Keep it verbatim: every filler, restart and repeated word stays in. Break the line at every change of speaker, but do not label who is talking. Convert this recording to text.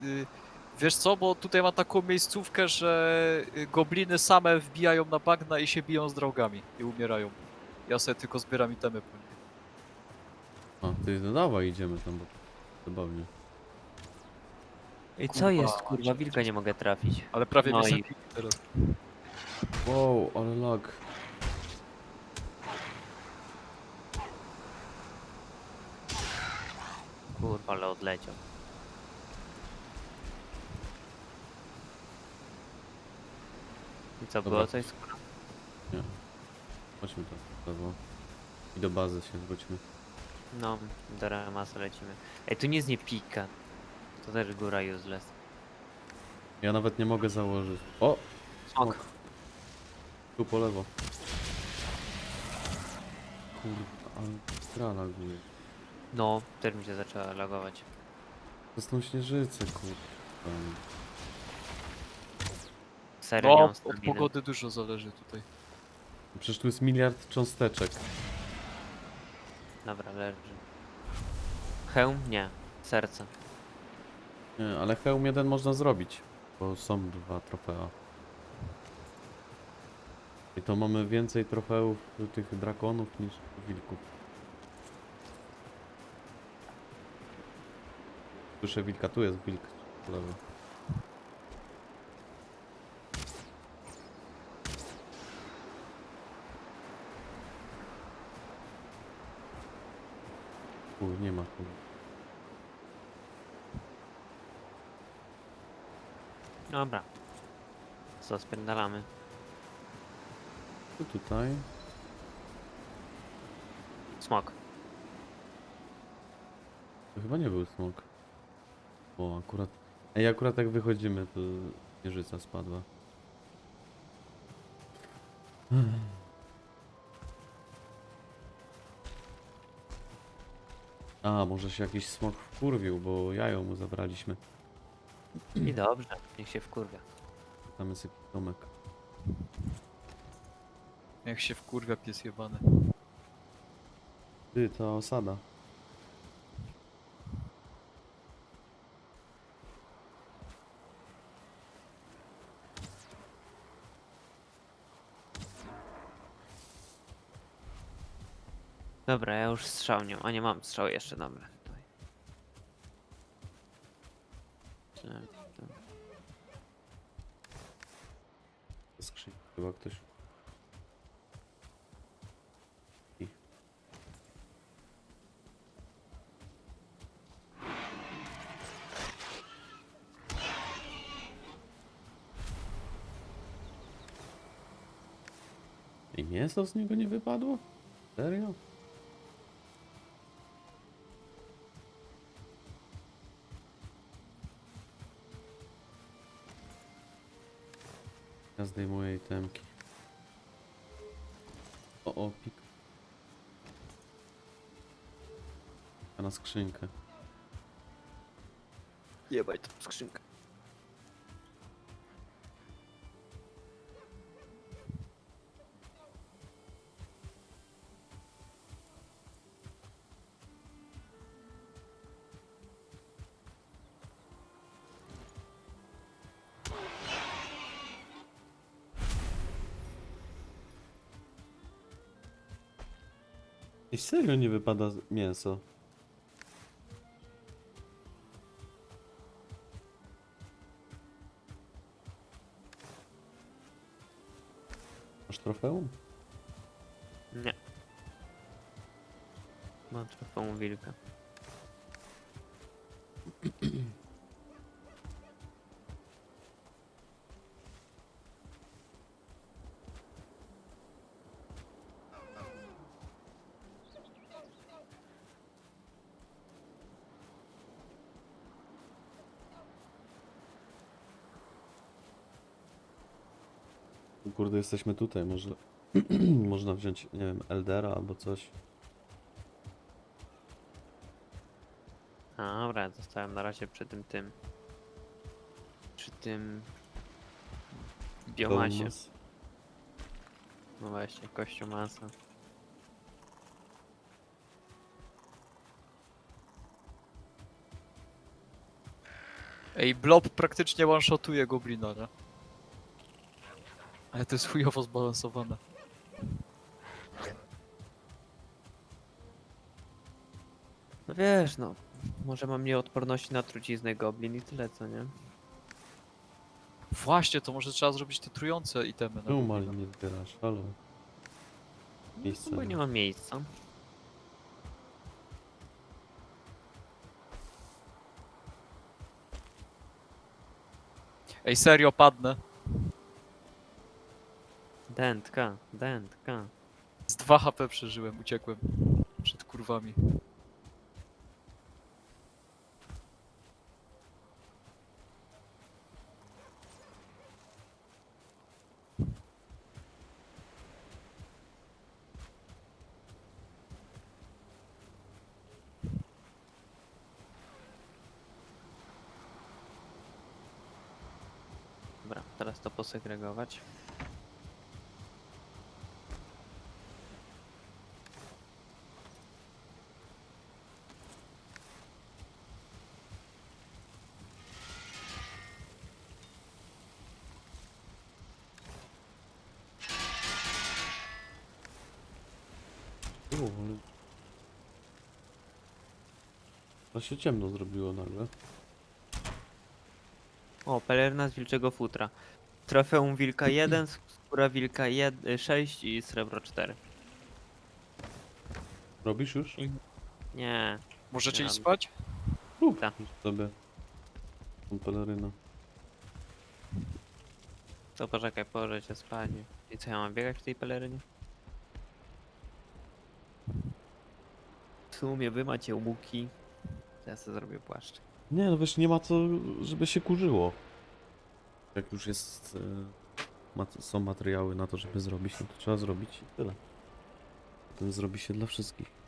y, wiesz co, bo tutaj ma taką miejscówkę, że y, gobliny same wbijają na bagna i się biją z draugami i umierają. Ja sobie tylko zbieram itemy po nich.
A, ty no dawaj, idziemy tam, bo zabawnie.
I co
Kurwa,
jest, kurwa,
macie,
wilka nie mogę trafić.
ale prawie mnie
No i
zabili teraz.
Wow, ale lag.
kurwa, ale odleciał. I co,
Dobra.
było coś?
Nie. Chodźmy tam, w lewo. I do bazy się wróćmy.
No, do Ramasa lecimy. Ej, tu nic nie pika. To też góra useless.
Ja nawet nie mogę założyć. O!
Smok.
Tu po lewo. Kurwa, ale stra laguje.
No, też mi się zaczęła lagować.
To są śnieżyce, kurwa.
Serio, nie
No,
mam
od
staminy.
pogody dużo zależy tutaj.
Przecież tu jest miliard cząsteczek.
Dobra, leży. Hełm? Nie. Serce.
Nie, ale hełm jeden można zrobić, bo są dwa trofea. I to mamy więcej trofeów tych drakonów niż wilków. Słyszę wilka, tu jest wilk. po lewo. U, nie ma tu.
Dobra. Co, spierdalamy?
Tu tutaj.
Smok.
To chyba nie był smok. O, akurat. Ej, akurat jak wychodzimy, to śnieżyca spadła. A, może się jakiś smok wkurwił, bo jajo mu zabraliśmy.
I dobrze, niech się wkurwia.
Tam jest jakiś domek.
Jak się wkurwia pies jebany.
Ty, ta osada.
Dobra, ja już strzał nie mam. A nie mam strzał jeszcze, dobra. Tutaj. Czy-
Skrzyń. Chyba ktoś. I. I mięso z niego nie wypadło? Serio? Ja zdejmuję itemki. O, o, pik. A na skrzynkę.
Jebaj tą skrzynkę.
I serio nie wypada z- mięso. Masz trofeum?
Nie. Mam trofeum wilka.
Kurde, jesteśmy tutaj, może można wziąć, nie wiem, Eldera albo coś.
A, dobra, zostałem na razie przy tym tym. Przy tym biomasie.
Bonus.
No właśnie, kością masa.
Ej, blob praktycznie one-shotuje goblina, nie? Ale to jest chujowo zbalansowane.
No wiesz, no. Może mam mniej odporności na truciznę goblin i tyle, co nie?
Właśnie, to może trzeba zrobić te trujące itemy na
Czemu
goblina.
malin nie zbierasz? Halo. Miejsca
No bo
nie
nie
ma.
mam miejsca.
Ej, serio, padnę.
Dętka, dętka.
Z dwa H P przeżyłem, uciekłem. Przed kurwami.
Dobra, teraz to posegregować.
O, ale... To się ciemno zrobiło nagle.
O, pelerna z wilczego futra. Trofeum wilka jeden, skóra wilka sześć i srebro cztery.
Robisz już?
I- Nie.
Możecie
Nie
iść
mam.
spać?
Rób
Tak.
sobie. Tą pelerynę.
To poczekaj, położę cię spać. I co, ja mam biegać w tej pelerynie? W sumie wy macie łuki. To ja sobie zrobię płaszcz.
Nie, no wiesz, nie ma co, żeby się kurzyło. Jak już jest... E, mat są materiały na to, żeby zrobić, no to trzeba zrobić i tyle. Potem zrobi się dla wszystkich.